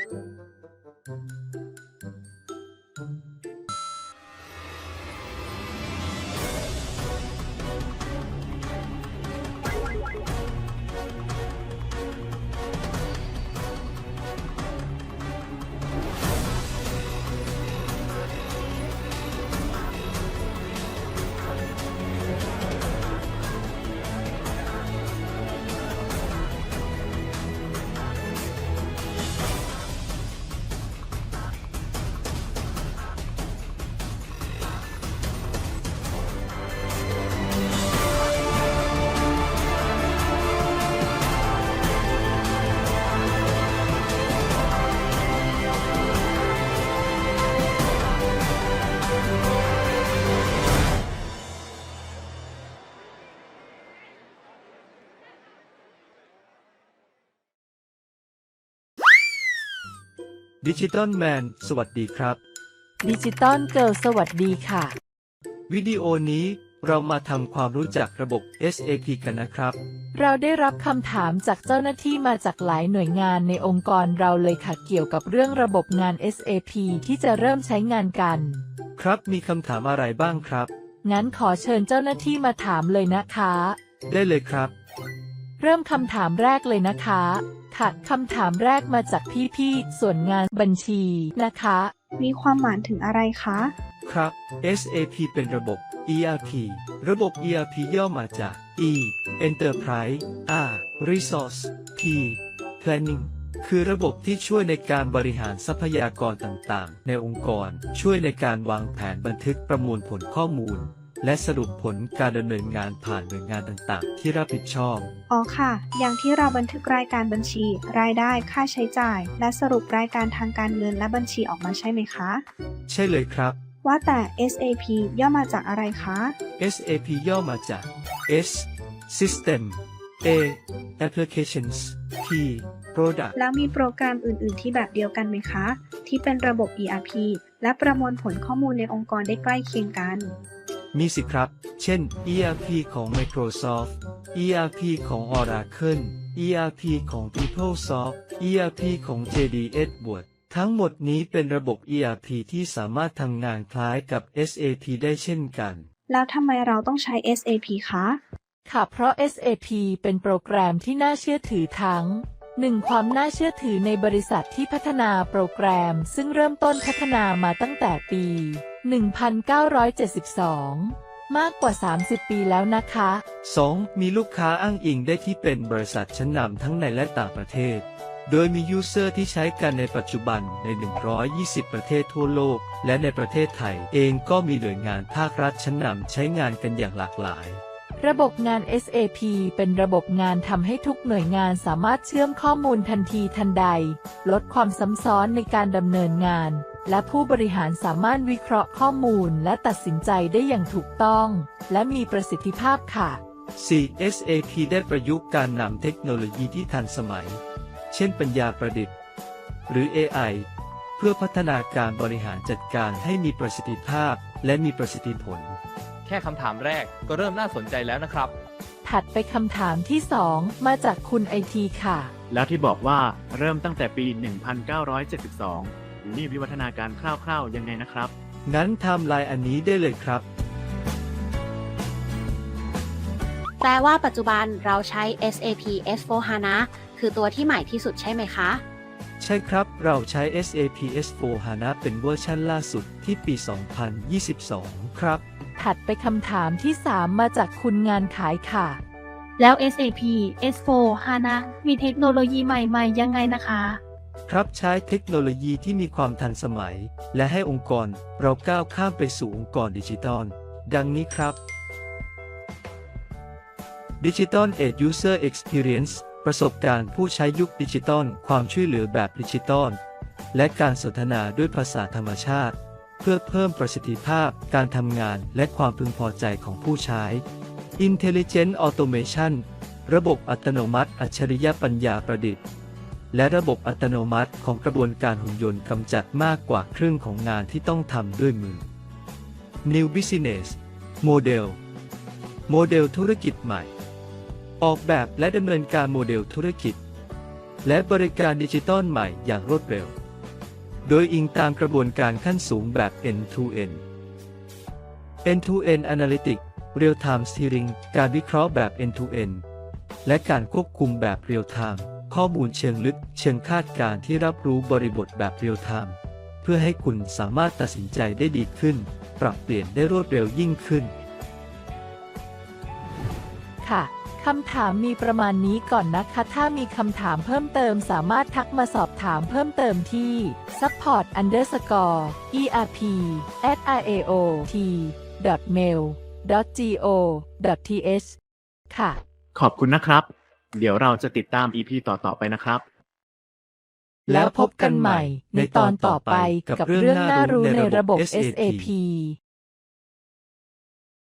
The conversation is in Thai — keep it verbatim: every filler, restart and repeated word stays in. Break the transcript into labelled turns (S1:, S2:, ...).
S1: ดิจิตอลแมนสวัสดีครับ
S2: ดิจิตอลเกิร์ลสวัสดีค่ะ
S1: วิดีโอนี้เรามาทำความรู้จักระบบ เอส เอ พี กันนะครับ
S2: เราได้รับคำถามจากเจ้าหน้าที่มาจากหลายหน่วยงานในองค์กรเราเลยค่ะเกี่ยวกับเรื่องระบบงาน เอส เอ พี ที่จะเริ่มใช้งานกัน
S1: ครับมีคำถามอะไรบ้างครับ
S2: งั้นขอเชิญเจ้าหน้าที่มาถามเลยนะคะ
S1: ได้เลยครับ
S2: เริ่มคำถามแรกเลยนะคะค่ะคำถามแรกมาจากพี่ๆส่วนงานบัญชีนะคะ
S3: มีความหมายถึงอะไรคะ
S1: ครับ เอส เอ พี เป็นระบบ อี อาร์ พี ระบบ อี อาร์ พี ย่อมาจาก E Enterprise R Resource P Planning คือระบบที่ช่วยในการบริหารทรัพยากรต่างๆในองค์กรช่วยในการวางแผนบันทึกประมวลผลข้อมูลและสรุปผลการดำเนินงานผ่านหน่วยงานต่างๆที่รับผิดชอบ
S3: อ๋อค่ะอย่างที่เราบันทึกรายการบัญชีรายได้ค่าใช้จ่ายและสรุปรายการทางการเงินและบัญชีออกมาใช่ไหมคะ
S1: ใช่เลยครับ
S3: ว่าแต่ เอส เอ พี ย่อมาจากอะไรคะ
S1: เอส เอ พี ย่อมาจาก S System A Applications P Product
S3: แล้วมีโปรแกรมอื่นๆที่แบบเดียวกันไหมคะที่เป็นระบบ อี อาร์ พี และประมวลผลข้อมูลในองค์กรได้ใกล้เคียงกัน
S1: มีสิครับ เช่น อี อาร์ พี ของ Microsoft อี อาร์ พี ของ Oracle อี อาร์ พี ของ PeopleSoft อี อาร์ พี ของ เจ ดี Edwards ทั้งหมดนี้เป็นระบบ อี อาร์ พี ที่สามารถทำงานคล้ายกับ เอส เอ พี ได้เช่นกัน
S3: แล้วทำไมเราต้องใช้ เอส เอ พี คะ
S2: ค่ะเพราะ เอส เอ พี เป็นโปรแกรมที่น่าเชื่อถือทั้ง หนึ่ง ความน่าเชื่อถือในบริษัทที่พัฒนาโปรแกรมซึ่งเริ่มต้นพัฒนามาตั้งแต่ปี หนึ่งพันเก้าร้อยเจ็ดสิบสองมากกว่า สามสิบ ปีแล้วนะคะ
S1: สอง มีลูกค้าอ้างอิงได้ที่เป็นบริษัทชั้นนำทั้งในและต่างประเทศโดยมียูเซอร์ที่ใช้กันในปัจจุบันใน หนึ่งร้อยยี่สิบ ประเทศทั่วโลกและในประเทศไทยเองก็มีหน่วยงานภาครัฐชั้นนำใช้งานกันอย่างหลากหลาย
S2: ระบบงาน เอส เอ พี เป็นระบบงานทำให้ทุกหน่วยงานสามารถเชื่อมข้อมูลทันทีทันใดลดความซ้ำซ้อนในการดำเนินงานและผู้บริหารสามารถวิเคราะห์ข้อมูลและตัดสินใจได้อย่างถูกต้องและมีประสิทธิภาพค่ะ
S1: สี่ เอส เอ พี ได้ประยุกต์การนำเทคโนโลยีที่ทันสมัยเช่นปัญญาประดิษฐ์หรือ เอ ไอ เพื่อพัฒนาการบริหารจัดการให้มีประสิทธิภาพและมีประสิทธิผล
S4: แค่คำถามแรกก็เริ่มน่าสนใจแล้วนะครับ
S2: ถัดไปคำถามที่สองมาจากคุณไอทีค่ะ
S5: แล้วที่บอกว่าเริ่มตั้งแต่ปี หนึ่งพันเก้าร้อยเจ็ดสิบสอง นี่วิวัฒนาการคร่าวๆยังไงนะครับ
S1: งั้นไทม์ไลน์อันนี้ได้เลยครับ
S6: แปลว่าปัจจุบันเราใช้ เอส เอ พี เอส โฟร์ HANA คือตัวที่ใหม่ที่สุดใช่ไหมคะ
S1: ใช่ครับเราใช้ เอส เอ พี เอส โฟร์ HANA เป็นเวอร์ชันล่าสุดที่ปี สองพันยี่สิบสอง ครับ
S2: ถัดไปคำถามที่สามมาจากคุณงานขายค่ะ
S7: แล้ว เอส เอ พี เอส โฟร์ HANA มีเทคโนโลยีใหม่ๆยังไงนะคะ
S1: ครับใช้เทคโนโลยีที่มีความทันสมัยและให้องค์กรเราก้าวข้ามไปสู่องค์กรดิจิตอลดังนี้ครับ Digital Age User Experience ประสบการณ์ผู้ใช้ยุคดิจิตอลความช่วยเหลือแบบดิจิตอลและการสนทนาด้วยภาษาธรรมชาติเพื่อเพิ่มประสิทธิภาพการทำงานและความพึงพอใจของผู้ใช้ Intelligent Automation ระบบอัตโนมัติอัจฉริยปัญญาประดิษฐ์และระบบอัตโนมัติของกระบวนการหุ่นยนต์กำจัดมากกว่าครึ่งของงานที่ต้องทำด้วยมือ New Business Model โมเดลธุรกิจใหม่ออกแบบและดำเนินการโมเดลธุรกิจและบริการดิจิตอลใหม่อย่างรวดเร็ว โดยอิงตามกระบวนการขั้นสูงแบบ end to end end to end Analytics Real Time Steering การวิเคราะห์แบบ end to end และการควบคุมแบบ Real Time ข้อมูลเชิงลึกเชิงคาดการณ์ที่รับรู้บริบทแบบ Real Time เพื่อให้คุณสามารถตัดสินใจได้ดีขึ้น ปรับเปลี่ยนได้รวดเร็วยิ่งขึ้น
S2: ค่ะ คำถามมีประมาณนี้ก่อนนะคะ ถ้ามีคำถามเพิ่มเติมสามารถทักมาสอบถามเพิ่มเติมที่ support underscore erp at iaot dot mail dot go dot th ค่ะ
S5: ขอบคุณนะครับ เดี๋ยวเราจะติดตาม อี พี ต่อ ๆ ไปนะครับ
S2: แล้วพบกันใหม่ในตอนต่อไปกับเรื่องน่ารู้ในระบบ เอส เอ พี